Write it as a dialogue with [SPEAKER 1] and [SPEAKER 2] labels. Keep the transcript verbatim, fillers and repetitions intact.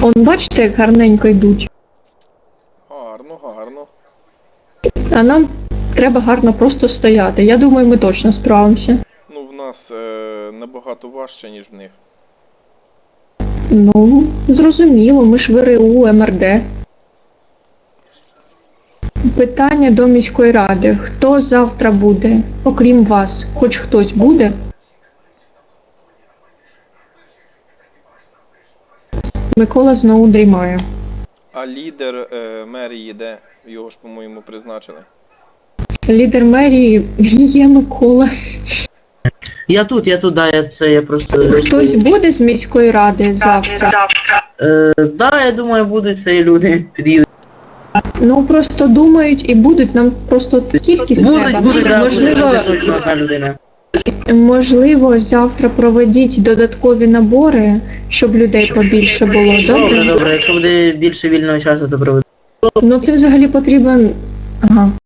[SPEAKER 1] Он бачите, як гарненько йдуть.
[SPEAKER 2] Гарно, гарно.
[SPEAKER 1] А нам треба гарно просто стояти. Я думаю, ми точно справимося.
[SPEAKER 2] Ну, в нас е, набагато важче, ніж в них.
[SPEAKER 1] Ну, зрозуміло, ми ж ВРУ, ем ер де. Питання до міської ради. Хто завтра буде, окрім вас? Хоч хтось буде? Микола знову дрімає.
[SPEAKER 2] А лідер е, мерії де? Його ж, по-моєму, призначили.
[SPEAKER 1] Лідер мерії є Микола.
[SPEAKER 3] Я тут, я тут, да, я це, я просто...
[SPEAKER 1] Хтось буде з міської ради завтра?
[SPEAKER 3] Е, да, я думаю, будуть це і люди під'їдуть.
[SPEAKER 1] Ну, просто думають і будуть, нам просто кількість
[SPEAKER 3] Будуть,
[SPEAKER 1] треба.
[SPEAKER 3] будуть, да,
[SPEAKER 1] Можливо,
[SPEAKER 3] буде точно одна людина.
[SPEAKER 1] можливо, завтра проведіть додаткові набори, щоб людей побільше було,
[SPEAKER 3] Добре,
[SPEAKER 1] добре?
[SPEAKER 3] добре, якщо буде більше вільного часу, то проведу.
[SPEAKER 1] Ну, це взагалі потрібен... Ага.